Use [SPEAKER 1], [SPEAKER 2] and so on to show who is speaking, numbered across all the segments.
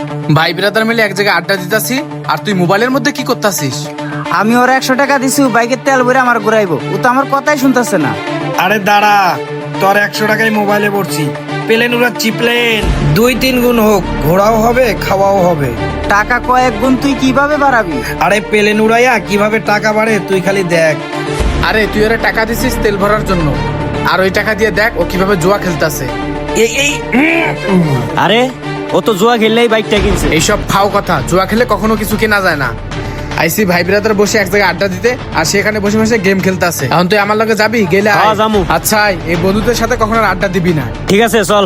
[SPEAKER 1] ভাই ব্রাদার মিলে এক জায়গায় আড্ডা দিতাছি আর তুই মোবাইলের মধ্যে কি করতাছিস?
[SPEAKER 2] আমি ওর 100 টাকা দিছি বাইকের তেল ভরে আমার ঘুরাইবো, ও তো আমার কথাই শুনতেছে না।
[SPEAKER 3] আরে দাঁড়া, তোর 100 টাকায় মোবাইলে পড়ছি, প্লেন উড়াচ্ছি, প্লেন 2-3 গুণ হোক, ঘোরাও হবে খাওয়াও হবে।
[SPEAKER 2] টাকা কয়েক গুণ তুই কিভাবে বাড়াবি?
[SPEAKER 3] আরে প্লেন উড়াইয়া কিভাবে টাকা বাড়ে তুই খালি দেখ।
[SPEAKER 1] আরে তুই ওরা টাকা দিছিস তেল ভরার জন্য, আর ওই টাকা দিয়ে দেখ ও কিভাবে জুয়া খেলতাছে।
[SPEAKER 3] এই এই
[SPEAKER 4] আরে ও তো জুয়া খেললেই বাইকটা কিনছে।
[SPEAKER 1] এইসব ফাও কথা, জুয়া খেলে কখনো কিছু কেনা যায় না। আইসি ভাই ব্রাদার বসে এক জায়গায় আড্ডা দিতে আর সেখানে বসে বসে গেম খেলতেছে। এখন তুই আমার লগে যাবি? গেলে আয়।
[SPEAKER 4] হ্যাঁ, যামু।
[SPEAKER 1] আচ্ছা এই বন্ধুদের সাথে কখনো আর আড্ডা দিবি না।
[SPEAKER 4] ঠিক আছে চল।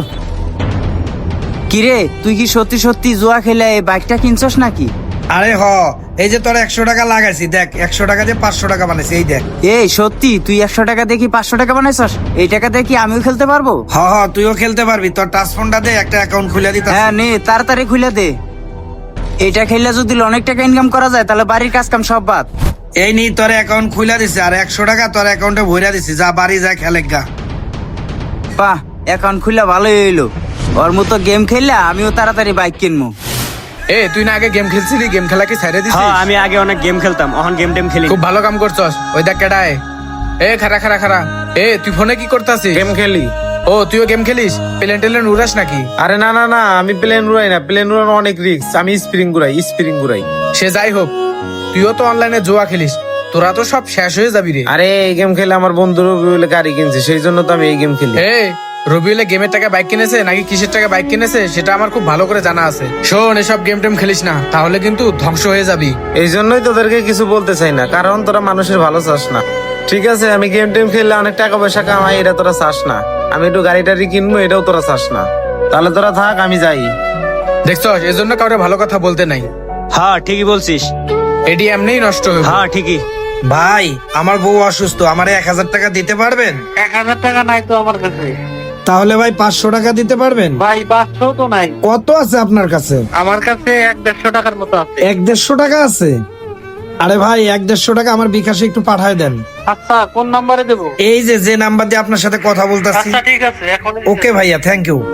[SPEAKER 2] কিরে তুই কি সত্যি সত্যি জুয়া খেলে এই বাইকটা কিনছস নাকি?
[SPEAKER 3] আরে এই যে তোর 100 টাকা লাগাইছি, দেখ 100 টাকা দিয়ে 500 টাকা বানাইছি, এই দেখ।
[SPEAKER 2] এই সত্যি তুই 100 টাকা দেখি 500 টাকা বানাইছস? এই টাকা দিয়ে কি আমিও খেলতে পারবো?
[SPEAKER 3] তুইও খেলতে পারবি, তোর টাচ ফোনটা দে, একটা অ্যাকাউন্ট খুলে দিতে।
[SPEAKER 2] হ্যাঁ নে তাড়াতাড়ি খুলে দে। এটা খেললে যদি অনেক টাকা ইনকাম করা যায় তাহলে বাড়ির কাজ কাম সব বাদ।
[SPEAKER 3] এই নি তোর অ্যাকাউন্ট খুলে দিছে, আর 100 টাকা তোর অ্যাকাউন্টে ভরে দিছি, যা বাড়ি যা খেলে গা।
[SPEAKER 2] বাহ, অ্যাকাউন্ট খুললে ভালোই হইলো। ওর মতো গেম খেললে আমিও তাড়াতাড়ি বাইক কিনবো।
[SPEAKER 1] তুই না আগে গেম খেলছিলি, গেম খেলা কি ছেড়ে দিছিস?
[SPEAKER 4] হ্যাঁ আমি আগে অনেক গেম খেলতাম, এখন গেম টেম খেলি।
[SPEAKER 1] খুব ভালো কাম করছস। ওই দেখ কেডায়। খারা খারা খারা। তুই ফোনে কি করতাছিস?
[SPEAKER 5] গেম খেলি।
[SPEAKER 1] ও তুইও গেম খেলিস? প্লেন টেলেন উড়াস নাকি?
[SPEAKER 5] আরে না না না, আমি প্লেন উড়াই না, প্লেন উড়ানো অনেক রিস্ক, আমি স্প্রিং ঘুরাই।
[SPEAKER 1] সে যাই হোক, তুইও তো অনলাইনে জুয়া খেলিস, তোরা তো সব শেষ হয়ে যাবি রে।
[SPEAKER 5] আরে এই গেম খেলে আমার বন্ধুর বলে গাড়ি কিনছে, সেই জন্য তো আমি এই গেম খেলি।
[SPEAKER 1] রবিউলে গেমের টাকা বাইক কিনেছে নাকি কিসের টাকা বাইক কিনেছে সেটা আমার খুব ভালো করে জানা আছে। শোন, এসব গেম টেম খেলিস না, তাহলে কিন্তু ধ্বংস হয়ে যাবি।
[SPEAKER 5] এই জন্যই তোদেরকে কিছু বলতে চাই না, কারণ তোরা মানুষের ভালো চাস না। ঠিক আছে, আমি গেম টেম খেললে অনেক টাকা পয়সা কামাই, এটা তোরা চাস না। আমি একটু গাড়ি টাড়ি কিনবো, এটাও তোরা চাস না। তাহলে তোরা থাক, আমি যাই।
[SPEAKER 1] দেখছস, এজন্য কাউরে ভালো কথা বলতে নাই।
[SPEAKER 4] হ্যাঁ ঠিকই বলছিস।
[SPEAKER 1] এটি এমনিই নষ্ট হয়ে।
[SPEAKER 4] হ্যাঁ ঠিকই।
[SPEAKER 3] ভাই আমার বউ অসুস্থ, আমার 1000 টাকা দিতে পারবেন?
[SPEAKER 6] 1000 টাকা নাই তো আমার কাছে।
[SPEAKER 3] তাহলে ভাই 500 টাকা দিতে পারবেন?
[SPEAKER 6] ভাই 500 তো নাই
[SPEAKER 3] কত আছে আপনার কাছে?
[SPEAKER 6] আমার কাছে 150 টাকার মতো আছে।
[SPEAKER 3] 150 টাকা আছে? আরে ভাই 150 টাকা আমার বিকাশে একটু পাঠায় দেন।
[SPEAKER 6] আচ্ছা কোন নাম্বারে দেবো?
[SPEAKER 3] এই যে নাম্বার দিয়ে আপনার সাথে কথা বলতেছি।
[SPEAKER 6] আচ্ছা ঠিক আছে, এখন
[SPEAKER 3] ওকে ভাইয়া, থ্যাংক ইউ।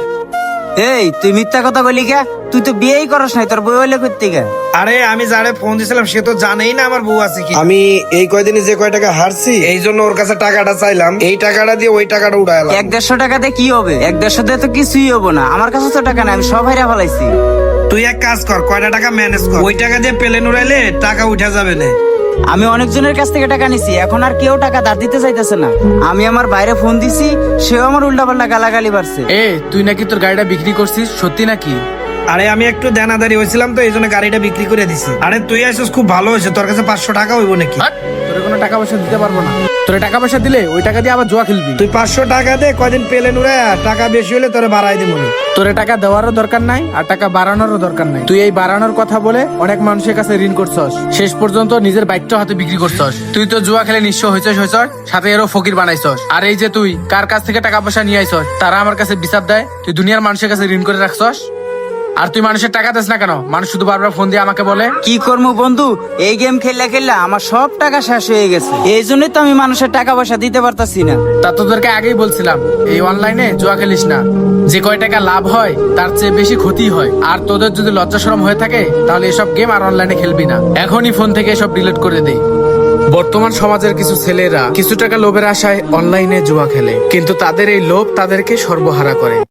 [SPEAKER 2] এই তুই মিথ্যা কথা বলি কে? তুই তো বিয়েই করস নাই, তোর বই হইলে করতে গে।
[SPEAKER 3] আরে আমি যারে ফোন দিছিলাম সে তো জানেই না আমার বউ আছে কি। আমি এই কয়দিনে যে কয় টাকা হারছি, এই জন্য ওর কাছে টাকাটা চাইলাম, এই টাকাটা দিয়ে ওই টাকাটা উড়াইলাম।
[SPEAKER 2] 150 টাকা দিয়ে কি হবে? 150 দিয়ে তো কিছুই হবো না। আমার কাছে তো টাকা নাই, আমি সব হাইরা ফেলাইছি।
[SPEAKER 3] তুই এক কাজ কর, কয়টা টাকা ম্যানেজ কর, ওই টাকা দিয়ে প্লেন উড়াইলে টাকা উঠা যাবে না।
[SPEAKER 2] আমি অনেকজনের কাছ থেকে টাকা নিছি, এখন আর কেউ টাকা ধার দিতে চাইতেছে না। আমি আমার বাইরে ফোন দিছি, সেও আমার উল্টাপাল্টা গালাগালি বাড়ছে।
[SPEAKER 1] তুই নাকি তোর গাড়িটা বিক্রি করছিস, সত্যি নাকি?
[SPEAKER 3] আরে আমি একটু দেনাদারি হয়েছিলাম তো, এই জন্য গাড়িটা বিক্রি করে দিছি। আরে তুই আসিস, খুব ভালো হয়েছে। তোর কাছে 500 টাকা হইব নাকি?
[SPEAKER 1] তোর কোনো টাকা পয়সা দিতে পারবো না। তোর টাকা পয়সা দিলে ওই টাকা দিয়ে আবার জুয়া খেলবি।
[SPEAKER 3] তুই 500 টাকা দে, কয়দিন প্লেন উড়ে, টাকা বেশি হলে তোরে বাড়াই দিব।
[SPEAKER 1] তোরে টাকা দেওয়ারও দরকার নাই আর টাকা বাড়ানোরও দরকার নাই। তুই এই বাড়ানোর কথা বলে অনেক মানুষের কাছে ঋণ করছস, শেষ পর্যন্ত নিজের বাইকটা হাতে বিক্রি করছস। তুই তো জুয়া খেলে নিঃস্ব হয়েছস, সাথে এরও ফকির বানাইছস। আর এই যে তুই কার কাছ থেকে টাকা পয়সা নিয়ে আইছস, তারা আমার কাছে বিচার দেয় তুই দুনিয়ার মানুষের কাছে ঋণ করে রাখছস। আর তুই মানুষের টাকা দিস না কেন? মানুষ শুধু বারবার ফোন দিয়ে আমাকে বলে।
[SPEAKER 2] কি করবো বন্ধু, এই গেম খেললে খেললে আমার সব টাকা শেষ হয়ে গেছে, এই জন্যই তো আমি মানুষের টাকা পয়সা দিতে পারতাছি না।
[SPEAKER 1] তা তোদেরকে আগেই বলছিলাম এই অনলাইনে জুয়া খেলিস না, যে কয় টাকা লাভ হয় তার চেয়ে বেশি ক্ষতি হয়। আর তোদের যদি লজ্জা শরম হয়ে থাকে তাহলে এসব গেম আর অনলাইনে খেলবি না, এখনই ফোন থেকে এসব ডিলিট করে দে। বর্তমান সমাজের কিছু ছেলেরা কিছু টাকা লোভের আশায় অনলাইনে জুয়া খেলে, কিন্তু তাদের এই লোভ তাদেরকে সর্বহারা করে।